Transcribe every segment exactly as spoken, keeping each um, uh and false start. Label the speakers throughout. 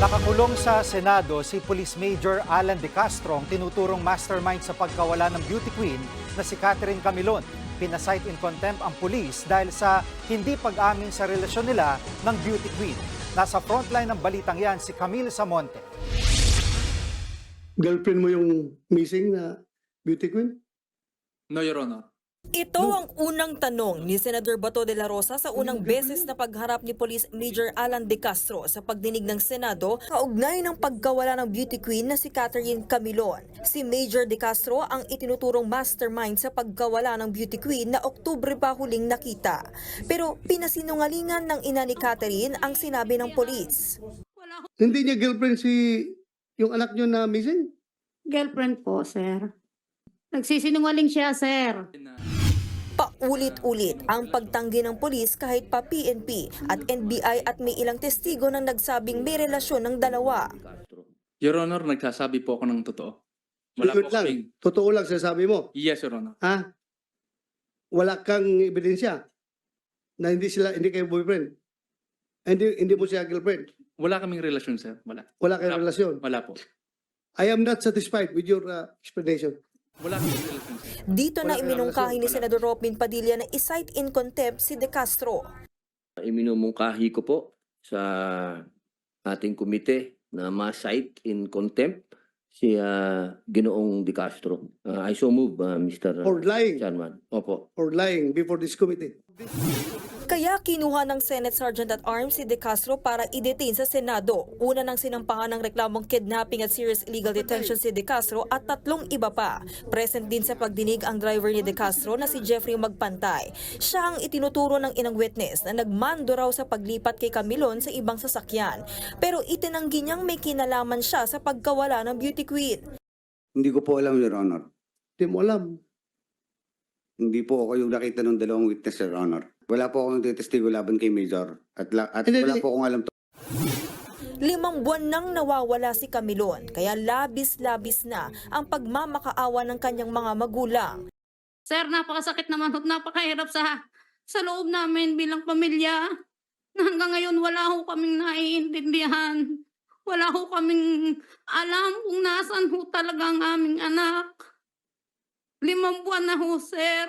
Speaker 1: Nakakulong sa Senado si Police Major Alan De Castro, ang tinuturong mastermind sa pagkawala ng beauty queen na si Catherine Camilon. Pinasight in contempt ang pulis dahil sa hindi pag-amin sa relasyon nila ng beauty queen. Nasa frontline ng balitang yan si Camille Samonte.
Speaker 2: Girlfriend mo yung missing na beauty queen?
Speaker 3: No, Your Honor.
Speaker 4: Ito ang unang tanong ni Senador Bato de la Rosa sa unang beses na pagharap ni Police Major Alan De Castro sa pagdinig ng Senado kaugnay ng pagkawala ng beauty queen na si Catherine Camilon. Si Major De Castro ang itinuturong mastermind sa pagkawala ng beauty queen na Oktubre pa huling nakita. Pero pinasinungalingan ng ina ni Catherine ang sinabi ng polis.
Speaker 2: Hindi niya girlfriend si yung anak niyo na missing?
Speaker 5: Girlfriend po, sir. Nagsisinungaling siya, sir.
Speaker 4: Paulit-ulit ang pagtanggi ng polis kahit pa P N P at N B I at may ilang testigo na nagsabing may relasyon ng dalawa.
Speaker 3: Your Honor, nagsasabi po ako ng totoo. Wala
Speaker 2: Yun
Speaker 3: po
Speaker 2: lang.
Speaker 3: kaming...
Speaker 2: Totoo lang sinasabi mo.
Speaker 3: Yes, Your Honor.
Speaker 2: Ha? Wala kang ebidensya na hindi sila hindi kayo boyfriend. Hindi hindi mo siya girlfriend.
Speaker 3: Wala kaming relasyon, sir. Wala.
Speaker 2: Wala kayong
Speaker 3: Wala po.
Speaker 2: relasyon.
Speaker 3: Wala po.
Speaker 2: I am not satisfied with your uh, explanation.
Speaker 3: Wala kaming relasyon, sir.
Speaker 4: Dito na
Speaker 2: Wala-
Speaker 4: iminungkahi ni
Speaker 2: wala-
Speaker 4: Senador Robin Padilla na isight in contempt si De Castro.
Speaker 6: Iminumungkahi ko po sa ating komite na ma-cite in contempt si ah, Ginoong De Castro. Ah, I so move, ah, Mister
Speaker 2: For lying.
Speaker 6: Chairman. Opo.
Speaker 2: For lying before this committee.
Speaker 4: Kaya kinuha ng Senate Sergeant at Arms si De Castro para i-detain sa Senado. Una nang sinampahan ng reklamong kidnapping at serious illegal detention si De Castro at tatlong iba pa. Present din sa pagdinig ang driver ni De Castro na si Jeffrey Magpantay. Siya ang itinuturo ng inang witness na nagmando raw sa paglipat kay Camilon sa ibang sasakyan. Pero itinanggi niyang may kinalaman siya sa pagkawala ng beauty queen.
Speaker 7: Hindi ko po alam, Your Honor.
Speaker 2: Hindi mo alam.
Speaker 7: Hindi po ako yung nakita ng dalawang witness, Your Honor. Wala po akong testigo laban kay Major. At, la- at
Speaker 2: Hindi,
Speaker 7: wala
Speaker 2: hindi.
Speaker 7: po akong alam.
Speaker 4: Limang buwan nang nawawala si Camilon, kaya labis-labis na ang pagmamakaawa ng kanyang mga magulang.
Speaker 5: Sir, napakasakit naman at napakahirap sa sa loob namin bilang pamilya. Na hanggang ngayon wala ho kaming naiintindihan. Wala ho kaming alam kung nasaan ho talaga ang aming anak. Limang buwan na ho, sir.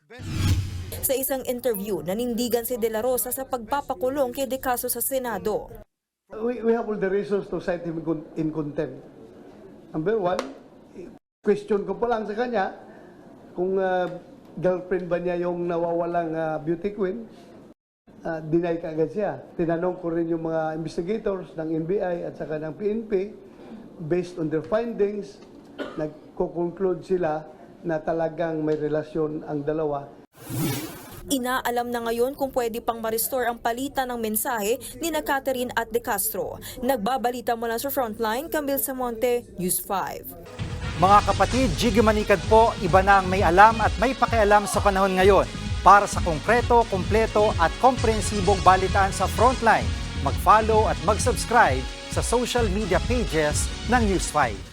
Speaker 4: Sa isang interview, nanindigan si De La Rosa sa pagpapakulong kay De Castro sa Senado.
Speaker 2: We, we have all the reasons to cite him con- in contempt. Number one, question ko pa lang sa kanya kung uh, girlfriend ba niya yung nawawalang uh, beauty queen. Uh, deny ka agad siya. Tinanong ko rin yung mga investigators ng N B I at saka ng P N P. Based on their findings, nagko-conclude sila na talagang may relasyon ang dalawa.
Speaker 4: Inaalam na ngayon kung pwede pang ma-restore ang palitan ng mensahe ni na Catherine at De Castro. Nagbabalita mula sa Frontline, Camille Samonte, News five.
Speaker 1: Mga kapatid, Jiggy Manikad po, iba na ang may alam at may pakialam sa panahon ngayon. Para sa konkreto, kumpleto at komprehensibong balitaan sa Frontline, mag-follow at mag-subscribe sa social media pages ng News five.